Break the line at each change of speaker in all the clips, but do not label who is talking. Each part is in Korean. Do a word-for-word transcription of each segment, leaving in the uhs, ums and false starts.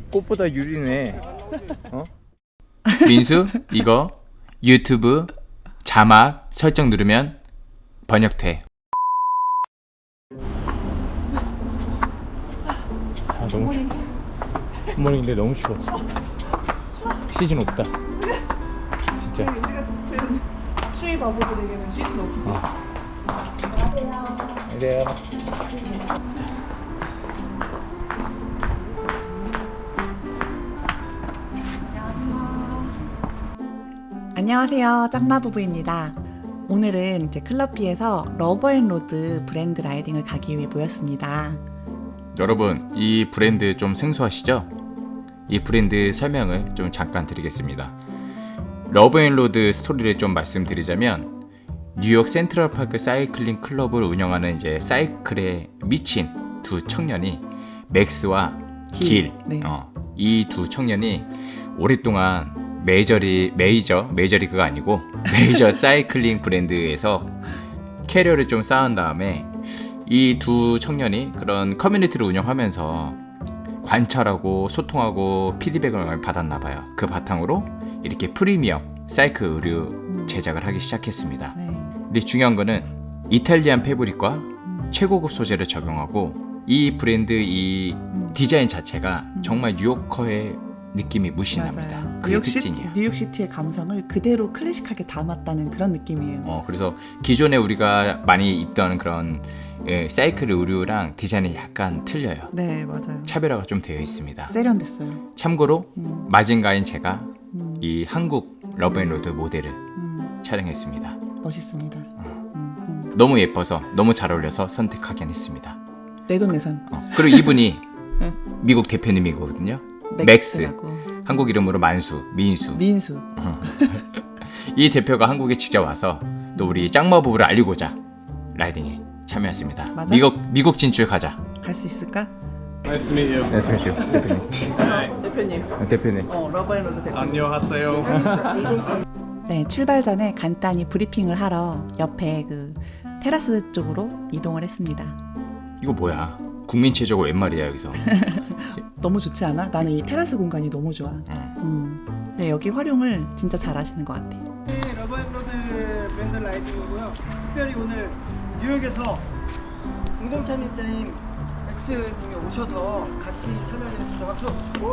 꽃보다 유리네. 어?
민수 이거 유튜브 자막 설정 누르면 번역돼.
아 너무 추워. 굿모닝인데 너무 추워. 시즌 없다. 진짜.
우리가 지금 추위 바보들에게는 시즌 없지.
그래요.
안녕하세요, 짱마부부입니다. 오늘은 이제 클럽비에서 러브앤로드 브랜드 라이딩을 가기 위해 모였습니다.
여러분 이 브랜드 좀 생소하시죠? 이 브랜드 설명을 좀 잠깐 드리겠습니다. 러브앤로드 스토리를 좀 말씀드리자면 뉴욕 센트럴파크 사이클링 클럽을 운영하는 이제 사이클에 미친 두 청년이 맥스와 길,
길, 네.
어, 이 두 청년이 오랫동안 메이저리 메이저 메이저리그가 아니고 메이저 사이클링 브랜드에서 캐리어를 좀 쌓은 다음에 이 두 청년이 그런 커뮤니티를 운영하면서 관찰하고 소통하고 피드백을 받았나 봐요. 그 바탕으로 이렇게 프리미엄 사이클 의류 제작을 하기 시작했습니다.
네.
근데 중요한 거는 이탈리안 패브릭과
음.
최고급 소재를 적용하고 이 브랜드 이
음.
디자인 자체가
음.
정말 뉴요커의 느낌이 무신합니다.
맞아요.
그게
뉴욕시티,
특징이에요.
뉴욕시티의 감성을 그대로 클래식하게 담았다는 그런 느낌이에요.
어, 그래서 기존에 우리가 많이 입던 그런 예, 사이클 의류랑 디자인이 약간 틀려요.
네, 맞아요.
차별화가 좀 되어 있습니다.
세련됐어요.
참고로
음.
마징가인 제가
음.
이 한국 러브앤로드 모델을
음. 멋있습니다.
촬영했습니다.
음. 음.
너무 예뻐서 너무 잘 어울려서 선택하긴 했습니다.
내돈내산.
어, 그리고 이분이 미국 대표님이거든요. 맥스.
맥스라고.
한국 이름으로 만수, 민수.
민수.
이 대표가 한국에 직접 와서 또 우리 짱마부부를 알리고자 라이딩에 참여했습니다.
맞아?
미국 미국 진출 가자.
갈 수 있을까?
Nice to meet you. 네, 잠시요. 대표님.
대표님.
아, 대표님.
어, 러브앤로드 대표님.
안녕하세요.
네, 출발 전에 간단히 브리핑을 하러 옆에 그 테라스 쪽으로 이동을 했습니다.
이거 뭐야? 국민 최저가 웬 말이야 여기서?
너무 좋지 않아? 나는 이 테라스 공간이 너무 좋아.
응.
음. 네, 여기 활용을 진짜 잘 하시는 것 같아.
네, 러브앤로드 브랜드 라이딩이고요. 특별히 오늘 뉴욕에서 공동 참여자인 맥스님이 오셔서 같이 참여하게 됐습니다. 박수!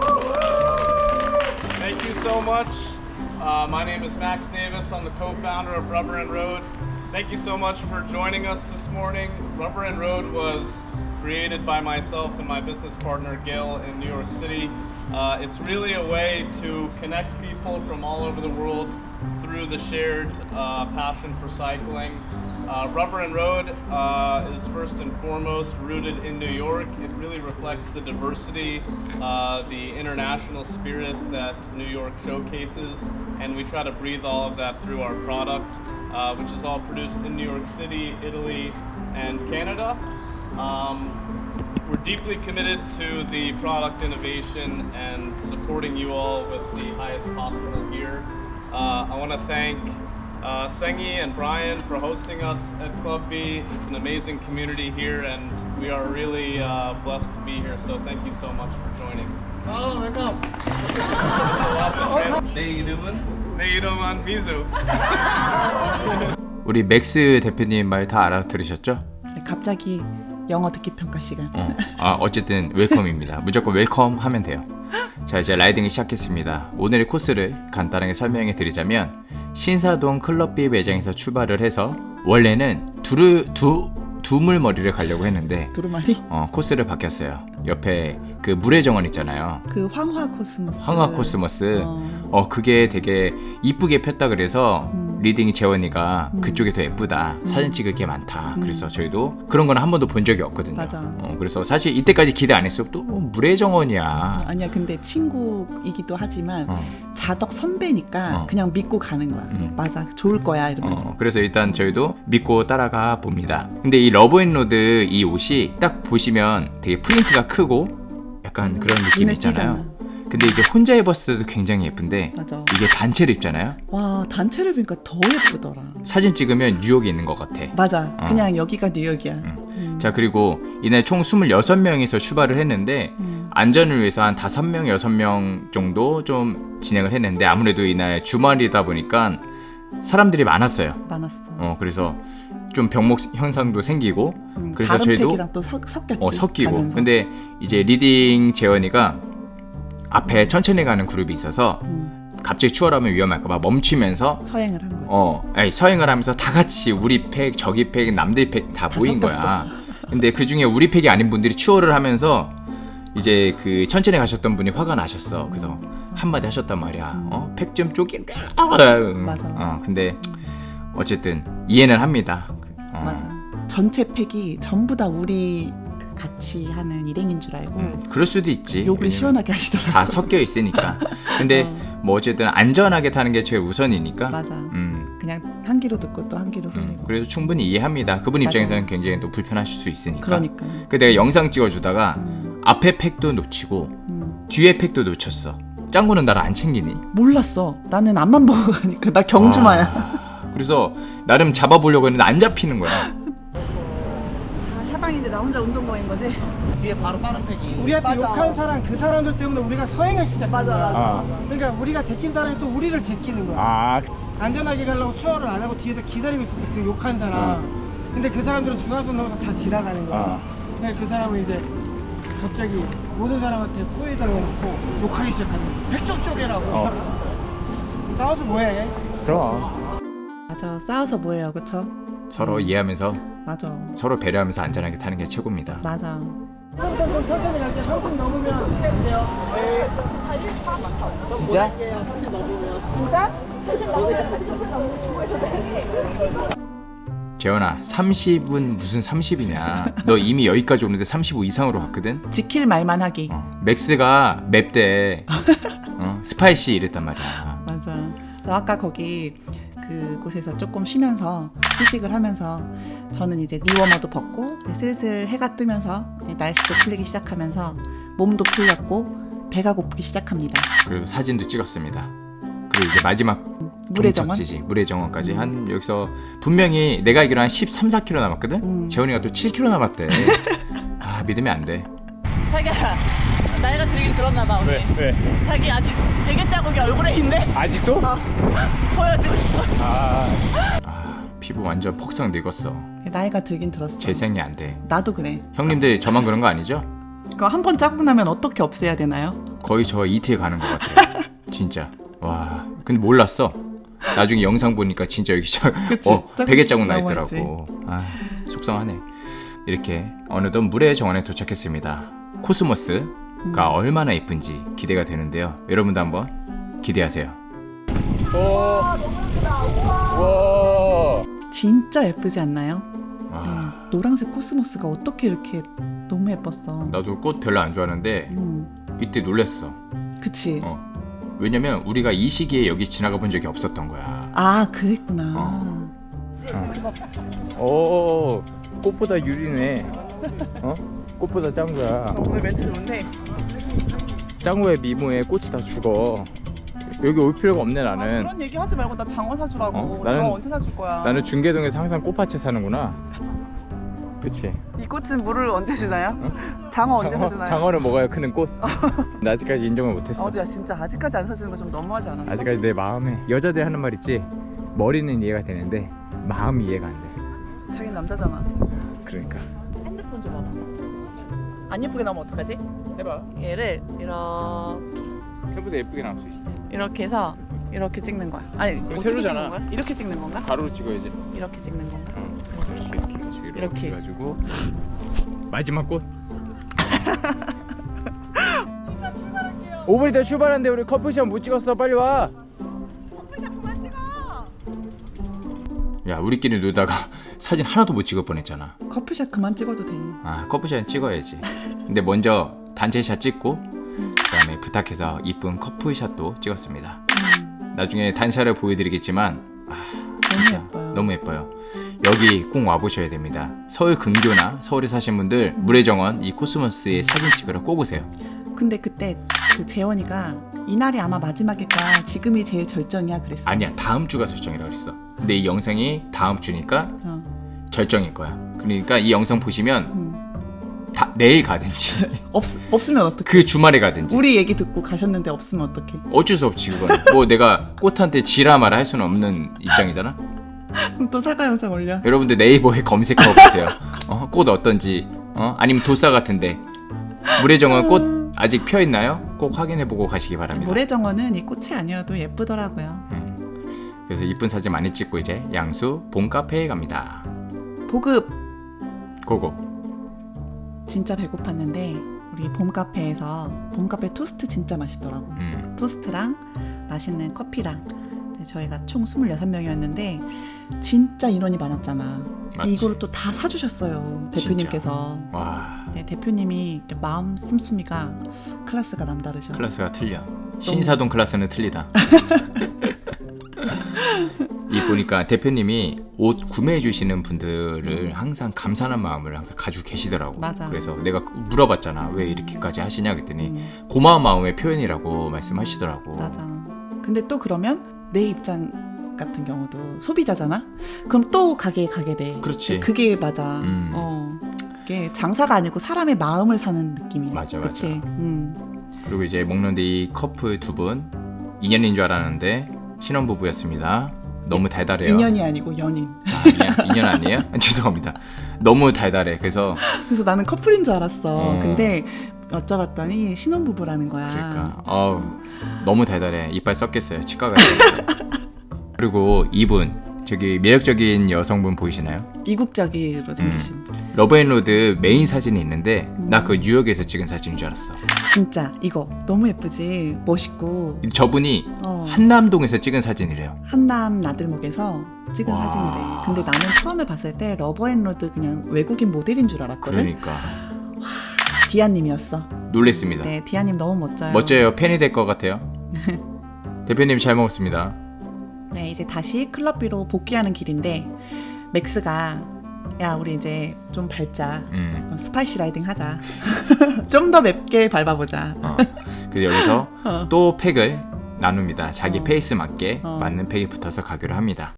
Thank you so much. Uh, my name is Max Davis. I'm the co-founder of Rubber and Road. Thank you so much for joining us this morning. Rubber and Road was created by myself and my business partner Gil in New York City. Uh, it's really a way to connect people from all over the world through the shared uh, passion for cycling. Uh, Rubber and Road uh, is first and foremost rooted in New York. It really reflects the diversity, uh, the international spirit that New York showcases, and we try to breathe all of that through our product, uh, which is all produced in New York City, Italy, and Canada. Um, we're deeply committed to the product innovation and supporting you all with the highest possible gear. Uh, I want to thank uh, Sengi and Brian for hosting us at Club B. It's an amazing community here, and we are really uh, blessed to be here. So thank you so much for joining.
아, 웰컴!
내 이름은? 내 이름은 미수.
우리 맥스 대표님 말 다 알아들으셨죠?
네, 갑자기 영어 듣기 평가 시간.
어, 아, 어쨌든 웰컴입니다. 무조건 웰컴 하면 돼요. 자, 이제 라이딩을 시작했습니다. 오늘의 코스를 간단하게 설명해 드리자면 신사동 클럽비 매장에서 출발을 해서 원래는 두르, 두, 두물머리를 가려고 했는데
두루마리?
어, 코스를 바뀌었어요. 옆에 그 물의 정원 있잖아요.
그 황화 코스모스.
황화 코스모스.
어.
어, 그게 되게 이쁘게 폈다 그래서
음.
리딩이 재원이가
음.
그쪽이 더 예쁘다.
음.
사진 찍을 게 많다.
음.
그래서 저희도 그런 거는 한 번도 본 적이 없거든요.
맞아.
어, 그래서 사실 이때까지 기대 안 했어. 또 뭐 물의 정원이야.
아니야, 근데 친구이기도 하지만
어.
자덕 선배니까
어.
그냥 믿고 가는 거야.
음.
맞아, 좋을 거야 이러면서.
어, 그래서 일단 저희도 믿고 따라가 봅니다. 근데 이 러브앤로드 이 옷이 딱 보시면 되게 프린트가 크고 약간 그런 느낌
눈에
있잖아요.
띄잖아.
근데 이제 혼자 입었을 때도 굉장히 예쁜데
맞아.
이게 단체로 입잖아요.
와 단체를 보니까 더 예쁘더라.
사진 찍으면 뉴욕에 있는 것 같아.
맞아.
어.
그냥 여기가 뉴욕이야.
응.
음.
자, 그리고 이날 총 스물여섯 명이서 출발을 했는데
음.
안전을 위해서 한 다섯 명, 여섯 명 정도 좀 진행을 했는데 아무래도 이날 주말이다 보니까 사람들이 많았어요.
많았어.
어, 그래서 좀 병목 현상도 생기고
음,
그래서
다른
저희도
팩이랑 또 섞, 섞였지.
어, 섞이고.
가면서.
근데 이제 리딩 재원이가 앞에 천천히 가는 그룹이 있어서
음,
갑자기 추월하면 위험할까봐 멈추면서
서행을 한 거지.
어, 아니, 서행을 하면서 다 같이 우리 팩, 저기 팩, 남들 팩 다
다
모인
섞였어.
거야. 근데 그 중에 우리 팩이 아닌 분들이 추월을 하면서 이제 그 천천히 가셨던 분이 화가 나셨어. 그래서 한마디 하셨단 말이야. 어, 팩 좀 쪼개.
맞아.
어, 근데 어쨌든 이해는 합니다. 어,
맞아. 전체 팩이 전부 다 우리 그 같이 하는 일행인 줄 알고
음, 그럴 수도 있지.
욕을
왜냐면
시원하게 하시더라고.
다 섞여 있으니까. 근데
어.
뭐 어쨌든 안전하게 타는 게 제일 우선이니까.
맞아.
음.
그냥 한 귀로 듣고 또 한 귀로
음,
흘리고.
그래서 충분히 이해합니다. 그분
맞아.
입장에서는 굉장히 또 불편하실 수 있으니까.
그러니까.
그 내가 영상 찍어주다가
음,
앞에 팩도 놓치고
음.
뒤에 팩도 놓쳤어. 짱구는 나를 안 챙기니?
몰랐어. 나는 앞만 보고 가니까 나 경주마야.
아, 그래서 나름 잡아보려고 했는데 안 잡히는 거야.
아, 샤방인데 나 혼자 운동모인 거지?
뒤에 바로 다른 팩이. 우리한테 욕한 사람 그 사람들 때문에 우리가 서행을 시작한
맞아,
거야.
맞아.
아,
그러니까 우리가 제낀 사람이 또 우리를 제끼는 거야.
아,
안전하게 가려고 추월을 안 하고 뒤에서 기다리고 있었어. 그 욕한 사람. 근데 그 사람들은 중앙선 넘어서 다 지나가는 거야.
아.
근데 그 사람은 이제 갑자기 모든 사람한테 꼬에다 놓고 욕하기 시작하는 거야. 백점 쪼개라고.
어.
싸워서 뭐해?
그럼.
맞아. 싸워서 뭐해요, 그쵸?
서로 이해하면서
맞아.
서로 배려하면서 안전하게 타는 게 최고입니다.
맞아.
좀, 좀, 좀 천천히 갈게요. 천천히 넘으면 안 돼요. 네.
진짜?
천천히 넘으면.
진짜?
재현아, 삼십은 무슨 삼십이냐? 너 이미 여기까지 오는데 삼십오 이상으로 갔거든?
지킬 말만 하기.
어, 맥스가 맵대. 어, 스파이시 이랬단 말이야.
맞아. 그래서 아까 거기 그곳에서 조금 쉬면서 휴식을 하면서 저는 이제 니워머도 벗고 슬슬 해가 뜨면서 날씨도 풀리기 시작하면서 몸도 풀렸고 배가 고프기 시작합니다.
그래서 사진도 찍었습니다. 그리고 이제 마지막
물의 정원?
종착지지, 물의 정원까지 한 여기서 분명히 내가 알기로 한 십삼, 사 킬로미터 남았거든?
음.
재원이가 또 칠 킬로미터 남았대. 아, 믿으면 안 돼.
자기야 나이가 들긴 들었나 봐 우리.
왜? 왜?
자기 아직 베개 자국이 얼굴에 있네.
아직도?
보여주고 싶어.
아,
아, 피부 완전 폭삭 늙었어.
나이가 들긴 들었어.
재생이 안 돼.
나도 그래.
형님들 저만 그런 거 아니죠?
그거 한 번 자국 나면 어떻게 없애야 되나요?
거의 저 이티에 가는 것 같아요. 진짜. 와, 근데 몰랐어. 나중에 영상 보니까 진짜 여기 저
그치?
어,
자국
베개 자국 나
남아
있더라고. 아, 속상하네. 이렇게 어느덧 물의 정원에 도착했습니다. 코스모스가
음.
얼마나 예쁜지 기대가 되는데요. 여러분도 한번 기대하세요.
오, 와,
진짜 예쁘지 않나요?
와,
음, 노란색 코스모스가 어떻게 이렇게 너무 예뻤어.
나도 꽃 별로 안 좋아하는데
음,
이때 놀랬어.
그치?
어. 왜냐면 우리가 이 시기에 여기 지나가 본 적이 없었던 거야.
아 그랬구나.
어.
오, 꽃보다 유리네. 어? 꽃보다 짱구야.
오늘 멘트 좋은데?
짱구의 미모에 꽃이 다 죽어. 여기 올 필요가 없네 나는.
그런 얘기 하지 말고 나 장어 사주라고.
어? 나는-
장어 언제 사줄 거야?
나는 중계동에서 항상 꽃밭에 사는구나. 그치?
이 꽃은 물을 언제 주나요? 장어 언제
장어,
사주나요?
장어를 먹어야 크는 꽃. 나 아직까지 인정을 못했어.
어디야 진짜 아직까지 안 사주는 거 좀 너무하지 않았어?
아직까지 내 마음에 여자들이 하는 말 있지. 머리는 이해가 되는데 마음이 이해가 안 돼.
자기는 남자잖아.
그러니까.
핸드폰 좀 봐봐. 안 예쁘게 나오면 어떡하지?
해봐.
얘를 이렇게
새보다 예쁘게 나올 수 있어.
이렇게 해서 이렇게 찍는 거야. 아니 어떻게
세로잖아.
찍는 거야? 이렇게 찍는 건가?
가로로 찍어야지.
이렇게 찍는 건가?
응. 이렇게 해가지고 이렇게,
이렇게.
해가지고 마지막 꽃. 오 분 있다 출발하는데 우리 커플샷 못 찍었어. 빨리 와.
야, 우리끼리 놀다가 사진 하나도 못 찍을 뻔했잖아.
커플샷 그만 찍어도 돼.
아, 커플샷 찍어야지. 근데 먼저 단체샷 찍고 그다음에 부탁해서 이쁜 커플샷도 찍었습니다. 나중에 단샷을 보여드리겠지만 아, 진짜
예뻐요.
너무 예뻐요. 여기 꼭 와보셔야 됩니다. 서울 근교나 서울에 사신 분들 물의 정원 이 코스모스의 사진 찍으러 꼭 오세요.
근데 그때 그 재원이가 이날이 아마 마지막일까 지금이 제일 절정이야 그랬어.
아니야, 다음 주가 절정이라 그랬어. 근데 이 영상이 다음 주니까
어.
절정일 거야. 그러니까 이 영상 보시면
음.
다 내일 가든지
없 없으면 어떡해?
그 주말에 가든지
우리 얘기 듣고 가셨는데 없으면 어떡해?
어쩔 수 없지 그건. 뭐 내가 꽃한테 지라 마라 할 수는 없는 입장이잖아.
그럼 또 사과 영상 올려.
여러분들 네이버에 검색하고 보세요. 어, 꽃 어떤지, 어? 아니면 도싸 같은데 물의정원 꽃 아직 펴 있나요? 꼭 확인해보고 가시기 바랍니다.
모래정원은 이 꽃이 아니어도 예쁘더라고요.
음. 그래서 이쁜 사진 많이 찍고 이제 양수 봄 카페에 갑니다.
보급
고고.
진짜 배고팠는데 우리 봄 카페에서 봄 카페 토스트 진짜 맛있더라고.
음.
토스트랑 맛있는 커피랑 이제 저희가 총 스물여섯 명이었는데 진짜 인원이 많았잖아.
맞지.
이거를 또 다 사주셨어요 대표님께서.
와,
네, 대표님이 이렇게 마음 씀씀이가 클래스가 남다르셔.
클래스가 틀려. 신사동 클래스는 틀리다. 이 보니까 대표님이 옷 구매해 주시는 분들을 항상 감사한 마음을 항상 가지고 계시더라고.
맞아.
그래서 내가 물어봤잖아. 왜 이렇게까지 하시냐 그랬더니
음,
고마운 마음의 표현이라고 말씀하시더라고.
맞아. 근데 또 그러면 내 입장 같은 경우도 소비자잖아. 그럼 또 가게에 가게 돼.
그렇지.
그게 맞아.
음.
어. 그게 장사가 아니고 사람의 마음을 사는 느낌이야.
맞아,
그치?
맞아.
음.
그리고 이제 먹는데 이 커플 두 분 인연인 줄 알았는데 신혼부부였습니다. 너무 달달해요.
인연이 아니고 연인.
아, 인연, 인연 아니에요? 죄송합니다. 너무 달달해. 그래서
그래서 나는 커플인 줄 알았어.
어.
근데 여쭤봤더니 신혼부부라는 거야.
그러니까 어우, 너무 달달해. 이빨 썩겠어요. 치과 가야겠어요. 그리고 이분 저기 매력적인 여성분 보이시나요?
이국적으로 생기신.
러브앤로드 메인 사진이 있는데
음.
나 그 뉴욕에서 찍은 사진인 줄 알았어.
진짜 이거 너무 예쁘지. 멋있고.
저분이
어.
한남동에서 찍은 사진이래요.
한남 나들목에서 찍은
와.
사진이래. 근데 나는 처음에 봤을 때 러브앤로드 그냥 외국인 모델인 줄 알았거든.
그러니까
디아님이었어.
놀랬습니다.
네, 디아님 너무 멋져요.
멋져요. 팬이 될 것 같아요. 대표님 잘 먹었습니다.
네, 이제 다시 클럽비로 복귀하는 길인데 맥스가 야 우리 이제 좀 밟자.
음.
스파이시 라이딩 하자. 좀 더 맵게 밟아보자.
어. 그래서 여기서
어.
또 팩을 나눕니다. 자기
어.
페이스 맞게
어.
맞는 팩이 붙어서 가기로 합니다.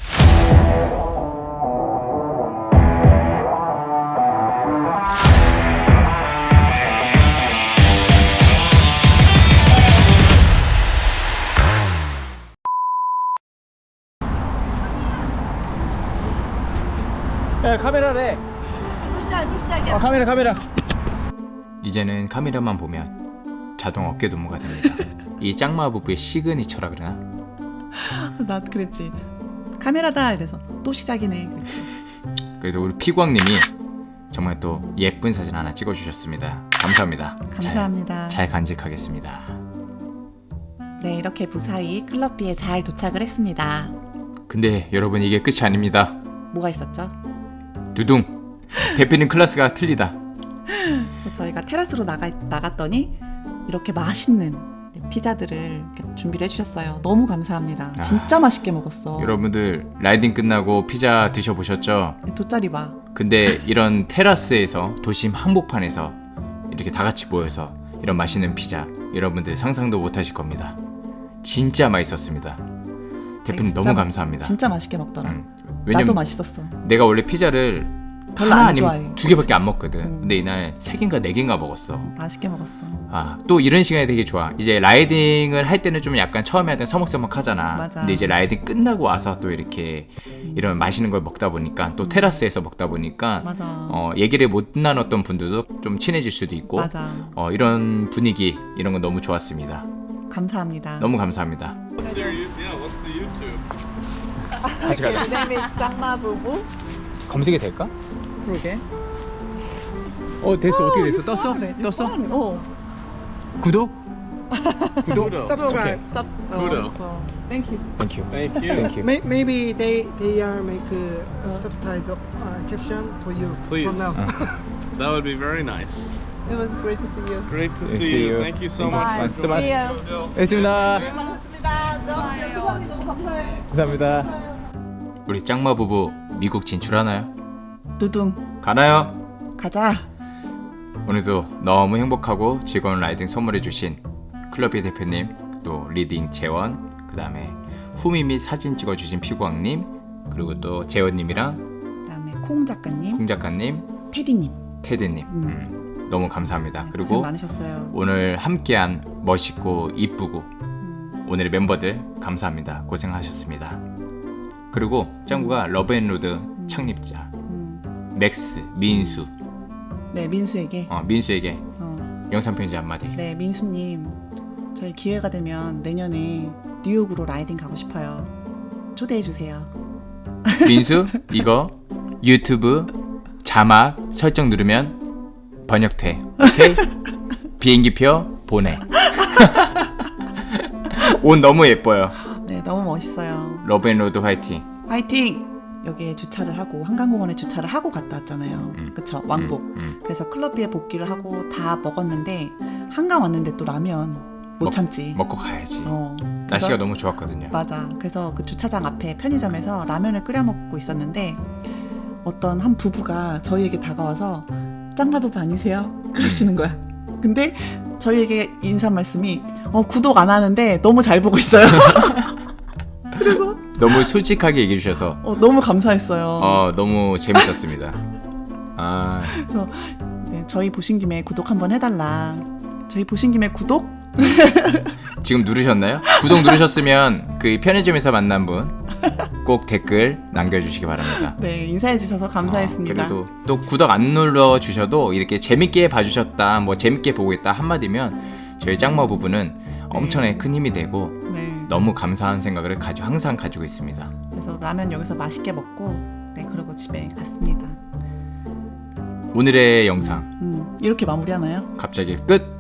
야 카메라래.
또 시작, 또 시작이야.
어, 카메라 카메라.
이제는 카메라만 보면 자동 어깨 동무가 됩니다. 이 짱마 부부의 시그니처라 그러나?
나 그랬지. 카메라다 이래서 또 시작이네. 그랬지.
그래서 우리 피광님이 정말 또 예쁜 사진 하나 찍어주셨습니다. 감사합니다.
감사합니다.
잘, 잘 간직하겠습니다.
네, 이렇게 무사히 클럽비에 잘 도착을 했습니다.
근데 여러분 이게 끝이 아닙니다.
뭐가 있었죠?
두둥! 대표님 클래스가 틀리다.
그래서 저희가 테라스로 나가, 나갔더니 이렇게 맛있는 피자들을 이렇게 준비를 해주셨어요. 너무 감사합니다.
아,
진짜 맛있게 먹었어.
여러분들 라이딩 끝나고 피자 드셔보셨죠?
돗자리 봐.
근데 이런 테라스에서 도심 한복판에서 이렇게 다 같이 모여서 이런 맛있는 피자 여러분들 상상도 못하실 겁니다. 진짜 맛있었습니다. 대표님
진짜
너무
마-
감사합니다.
진짜 맛있게 먹더라.
응.
나도
왜냐면
맛있었어.
내가 원래 피자를
별로
하나
안
아니면
좋아해.
두 개밖에 안 먹거든.
음.
근데 이날 세 개인가 네 개인가 먹었어.
맛있게 먹었어.
아, 또 이런 시간이 되게 좋아. 이제 라이딩을 할 때는 좀 약간 처음에 할 때 서먹서먹하잖아.
맞아.
근데 이제 라이딩 끝나고 와서 또 이렇게 이런 맛있는 걸 먹다 보니까 또 테라스에서 먹다 보니까
맞아.
어, 얘기를 못 나눴던 분들도 좀 친해질 수도 있고
맞아.
어, 이런 분위기 이런 건 너무 좋았습니다.
감사합니다.
너무 감사합니다.
What's your you- yeah? What's the YouTube?
같이 가자.
이름이 짱마 부부.
검색이 될까?
그러게.
어 됐어. 어떻게 됐어? 떴어? 떴어?
어.
구독? 구독?
Subscribe.
Subs.
Kudo.
어, so, thank you.
Thank you.
Thank you.
Thank you.
May, maybe they they are make a uh, subtitle uh, caption for you
Please.
from now.
That would be very nice.
It was great to see you.
Great to
See
see you.
you.
Thank you so
Bye.
much. for
See
joining.
ya.
Go, Bill.
됐습니다.
반갑습니다. 너무 너무 감사해요.
감사합니다.
우리 짱마 부부 미국 진출하나요?
두둥.
가나요?
가자.
오늘도 너무 행복하고 즐거운 라이딩 선물해주신 클럽비 대표님, 또 리딩 재원, 그 다음에 후미 및 사진 찍어주신 피구왕님, 그리고 또 재원님이랑
그다음에 콩 작가님,
콩 작가님,
테디님.
테드님.
음.
음, 너무 감사합니다.
네, 고생
그리고
많으셨어요.
오늘 함께한 멋있고 이쁘고
음,
오늘의 멤버들 감사합니다. 고생하셨습니다. 그리고 짱구가 러브앤로드 창립자
음.
맥스, 민수,
네, 민수에게.
어, 민수에게
어,
영상 편지 한마디.
네, 민수님. 저희 기회가 되면 내년에 뉴욕으로 라이딩 가고 싶어요. 초대해 주세요.
민수 이거 유튜브 자막 설정 누르면 번역돼. 오케이? 비행기표 보내. 옷 너무 예뻐요.
네, 너무 멋있어요.
러브앤로드 화이팅.
화이팅! 여기에 주차를 하고 한강공원에 주차를 하고 갔다 왔잖아요.
음.
그쵸? 왕복.
음, 음.
그래서 클럽비에 복귀를 하고 다 먹었는데 한강 왔는데 또 라면 못
먹-
참지.
먹고 가야지.
어.
날씨가
그래서-
너무 좋았거든요.
맞아. 그래서 그 주차장 앞에 편의점에서 라면을 끓여 먹고 있었는데 어떤 한 부부가 저희에게 다가와서 짱가 부부 아니세요? 그러시는 거야. 근데 저희에게 인사 말씀이 어, 구독 안 하는데 너무 잘 보고 있어요. 그래서
너무 솔직하게 얘기해 주셔서
어, 너무 감사했어요.
어, 너무 재밌었습니다. 아,
그래서 네, 저희 보신 김에 구독 한번 해달라. 저희 보신 김에 구독?
지금 누르셨나요? 구독 누르셨으면 그 편의점에서 만난 분 꼭 댓글 남겨주시기 바랍니다.
네, 인사해 주셔서 감사했습니다.
어, 그래도 또 구독 안 눌러 주셔도 이렇게 재밌게 봐주셨다, 뭐 재밌게 보고 있다 한마디면 저희 짱마 부부는 엄청나게 큰 힘이 되고
네.
너무 감사한 생각을 가지고 항상 가지고 있습니다.
그래서 라면 여기서 맛있게 먹고 네, 그러고 집에 갔습니다.
오늘의 영상
음, 이렇게 마무리하나요?
갑자기 끝.